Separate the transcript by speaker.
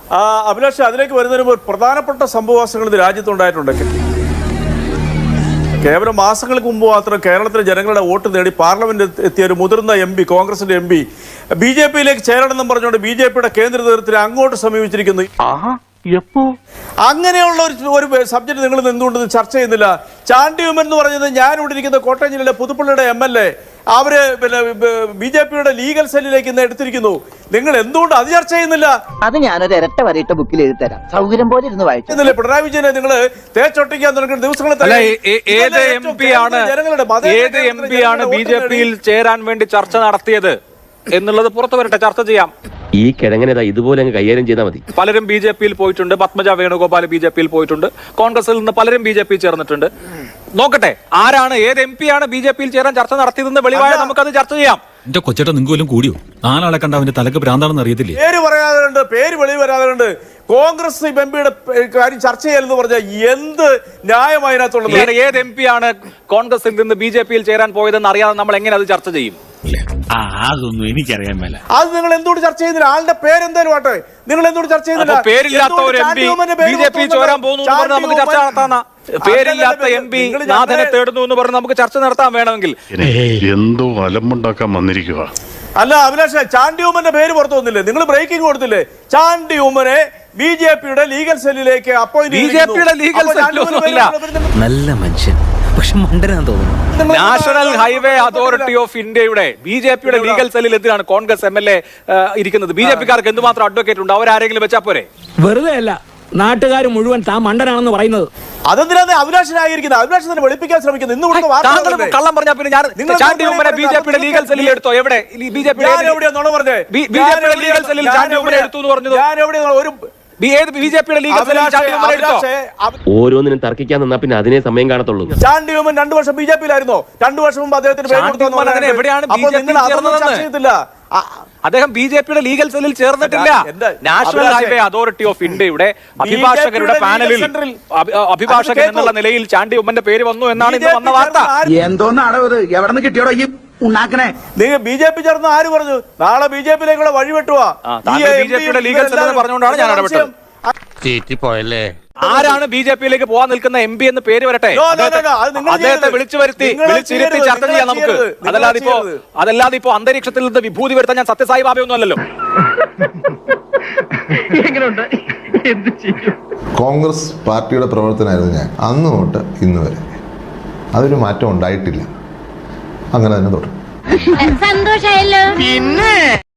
Speaker 1: അഭിലാഷ്, അതിലേക്ക് വരുന്നതിന് മുമ്പ് പ്രധാനപ്പെട്ട സംഭവവാസങ്ങൾ ഇത് രാജ്യത്തുണ്ടായിട്ടുണ്ട്. കേവലം മാസങ്ങൾക്ക് മുമ്പ് മാത്രം കേരളത്തിലെ ജനങ്ങളുടെ വോട്ട് നേടി പാർലമെന്റിൽ എത്തിയ ഒരു മുതിർന്ന MP, കോൺഗ്രസിന്റെ MP, BJP-യിലേക്ക് ചേരണമെന്നും പറഞ്ഞുകൊണ്ട് BJP-യുടെ കേന്ദ്ര നേതൃത്വത്തെ അങ്ങോട്ട് സമീപിച്ചിരിക്കുന്നു. അങ്ങനെയുള്ള ഒരു സബ്ജക്ട് നിങ്ങൾ എന്തുകൊണ്ട് ചർച്ച ചെയ്യുന്നില്ല? ചാണ്ടി ഉമ്മൻ എന്ന് പറഞ്ഞത് ഞാൻ ഇവിടെ ഇരിക്കുന്ന കോട്ടയം ജില്ലയിലെ പുതുപ്പള്ളിയുടെ MLA, അവര് BJP-യുടെ ലീഗൽ സെല്ലിലേക്ക് ഇന്ന് എടുത്തിരിക്കുന്നു. നിങ്ങൾ എന്തുകൊണ്ട് അത് ചർച്ച ചെയ്യുന്നില്ല?
Speaker 2: അത് ഞാനൊരു ഇരട്ട വരയിട്ട ബുക്കിൽ എഴുതി തരാം, സൗകര്യം പോലെ ഇരുന്ന് വായിച്ചു.
Speaker 1: പിണറായി വിജയനെ നിങ്ങൾ തേച്ചൊട്ടിക്കാൻ തുടങ്ങുന്ന ദിവസങ്ങളിൽ
Speaker 3: ഏത് MP ആണ് BJP-യിൽ ചേരാൻ വേണ്ടി ചർച്ച നടത്തിയത് എന്നുള്ളത് പുറത്തു വരട്ടെ, ചർച്ച ചെയ്യാം.
Speaker 4: ഈ കിഴങ്ങനേതാ ഇതുപോലെ അങ്ങ് കൈകാര്യം ചെയ്താൽ മതി.
Speaker 3: പലരും BJP-യിൽ പോയിട്ടുണ്ട്. പത്മജ വേണുഗോപാൽ BJP-യിൽ പോയിട്ടുണ്ട്. കോൺഗ്രസിൽ നിന്ന് പലരും BJP-യിൽ ചേർന്നിട്ടുണ്ട്. നോക്കട്ടെ, ആരാണ്, ഏത് MP ആണ് BJP-യിൽ ചേരാൻ ചർച്ച നടത്തിയതെന്ന് വെളിവായ നമുക്കത് ചർച്ച ചെയ്യാം.
Speaker 5: എന്റെ കൊച്ചേട്ട നിങ്ങൾക്കും കൂടിയോ? നാലാളെ കണ്ട അവന്റെ തലക്ക് ഭ്രാന്താണെന്ന് അറിയത്തില്ലേ?
Speaker 1: പേര് പറയാതെ പേര് വെളിവ് വരാതെ കോൺഗ്രസ് MPയുടെ കാര്യം ചർച്ച ചെയ്യലെന്ന് പറഞ്ഞാൽ എന്ത് ന്യായമായി അതിനകത്തുള്ളത്?
Speaker 3: ഏത് MP ആണ് കോൺഗ്രസിൽ നിന്ന് BJP-യിൽ ചേരാൻ പോയതെന്ന് അറിയാതെ നമ്മൾ എങ്ങനെ അത് ചർച്ച ചെയ്യും?
Speaker 5: അതൊന്നും എനിക്കറിയാൻ മേല.
Speaker 1: അത് നിങ്ങൾ എന്തുകൊണ്ട് ചർച്ച ചെയ്യുന്നില്ല? ആളുടെ പേരെന്തായാലും ആട്ടെ, നിങ്ങൾ എന്തുകൊണ്ട് ചർച്ച ചെയ്യുന്നില്ല?
Speaker 3: പേരില്ലാത്ത ഒരു MP BJP ചേരാൻ പോകുന്നു എന്ന് പറഞ്ഞ് നമുക്ക് ചർച്ച നടത്താം. പേരില്ലാത്ത MP നാഥനെ തേടുന്നു എന്ന് പറഞ്ഞ് നമുക്ക് ചർച്ച നടത്താൻ വേണമെങ്കിൽ
Speaker 6: എന്തോ അലമ്പുണ്ടാക്കാൻ വന്നിരിക്കുക.
Speaker 1: അല്ല അഭിലാഷ്, ചാണ്ടി ഉമ്മന്റെ പേര് പുറത്തു വന്നില്ലേ? നിങ്ങൾ ബ്രേക്കിംഗ് കൊടുത്തില്ലേ? ചാണ്ടി ഉമ്മനെ BJP-യുടെ ലീഗൽ സെല്ലിലേക്ക്
Speaker 3: BJP-യുടെ ലീഗൽ സെല്ലില്ല.
Speaker 7: നല്ല മനുഷ്യൻ, പക്ഷെ മണ്ടനാന്ന് തോന്നുന്നു.
Speaker 3: നാഷണൽ ഹൈവേ അതോറിറ്റി ഓഫ് ഇന്ത്യയുടെ BJP-യുടെ ലീഗൽ സെല്ലിൽ എന്തിനാണ് കോൺഗ്രസ് MLA ഇരിക്കുന്നത്? BJP-കാർക്ക് എന്തുമാത്രം അഡ്വക്കേറ്റ് ഉണ്ട്? അവരാരെങ്കിലും വെച്ചാ പോരെ?
Speaker 8: വെറുതെ അല്ല നാട്ടുകാർ മുഴുവൻ താൻ മണ്ടനാണെന്ന് പറയുന്നത്.
Speaker 1: അതെന്തിനാണ് അഭിലാഷനായിരിക്കുന്നത്? അഭിലാഷനെ വെളുപ്പിക്കാൻ ശ്രമിക്കുന്നത്. ഇന്ന്
Speaker 3: കള്ളം പറഞ്ഞാൽ പിന്നെ ഞാൻ ചാണ്ടി ഉമ്മനെ BJP-യുടെ ലീഗൽ സെല്ലിൽ എടുത്തോ? എവിടെ BJP-യുടെ ലീഗൽ സെല്ലിൽ ചാണ്ടി ഉമ്മനെ എടുത്തു എന്ന് പറഞ്ഞത്? BJP-യുടെ ലീഗൽ സെല്ലിൽ ചാണ്ടി ഉമ്മനെ എടുത്തോ?
Speaker 4: ഓരോന്നിനും തർക്കിക്കാൻ നിന്നാ പിന്നെ അതിനെ സമയം കാണത്തുള്ളൂ.
Speaker 1: ചാണ്ടി ഉമ്മൻ 2 വർഷം BJP-യിലായിരുന്നോ? 2 വർഷം മുമ്പ് അദ്ദേഹത്തിന് പേര് കൊടുത്തു.
Speaker 3: എവിടെയാണ് അദ്ദേഹം BJP-യുടെ ലീഗൽ സെല്ലിൽ ചേർന്നിട്ടില്ല. നാഷണൽ ഹൈവേ അതോറിറ്റി ഓഫ് ഇന്ത്യയുടെ അഭിഭാഷകരുടെ പാനലിൽ അഭിഭാഷകൻ എന്നുള്ള നിലയിൽ ചാണ്ടി ഉമ്മന്റെ പേര് വന്നു എന്നാണ് ഇന്ന് വന്ന വാർത്ത.
Speaker 2: എന്തോന്നാണോ ഇത്? എവിടെ നിന്ന് കിട്ടിയോടോ ഈ ഉണ്ടാക്കണേ?
Speaker 1: നിങ്ങൾ BJP ചേർന്ന് ആര് പറഞ്ഞു? നാളെ BJP-യിലേക്കുള്ള വഴി വെട്ടുവാ.
Speaker 3: BJP-യുടെ ലീഗൽ സെല്ലിൽ പറഞ്ഞുകൊണ്ടാണ് ഞാൻ ഇടപെട്ടത്. ആരാണ് BJP-യിലേക്ക് പോകാൻ നിൽക്കുന്ന MP എന്ന് പേര് വരട്ടെ, അദ്ദേഹത്തെ വിളിച്ചു വിളിച്ചിരുത്തി ചർച്ച ചെയ്യാം നമുക്ക്. അതല്ലാതെ ഇപ്പോ അന്തരീക്ഷത്തിൽ നിന്ന് വിഭൂതി വരുത്താൻ ഞാൻ സത്യസായി ബാബയൊന്നും അല്ലല്ലോ.
Speaker 9: കോൺഗ്രസ് പാർട്ടിയുടെ പ്രവർത്തനമായിരുന്നു ഞാൻ അന്ന് തൊട്ട് ഇന്ന് വരെ. അതൊരു മാറ്റം ഉണ്ടായിട്ടില്ല. അങ്ങനെ തന്നെ തുടരും.
Speaker 10: സന്തോഷമായല്ലോ.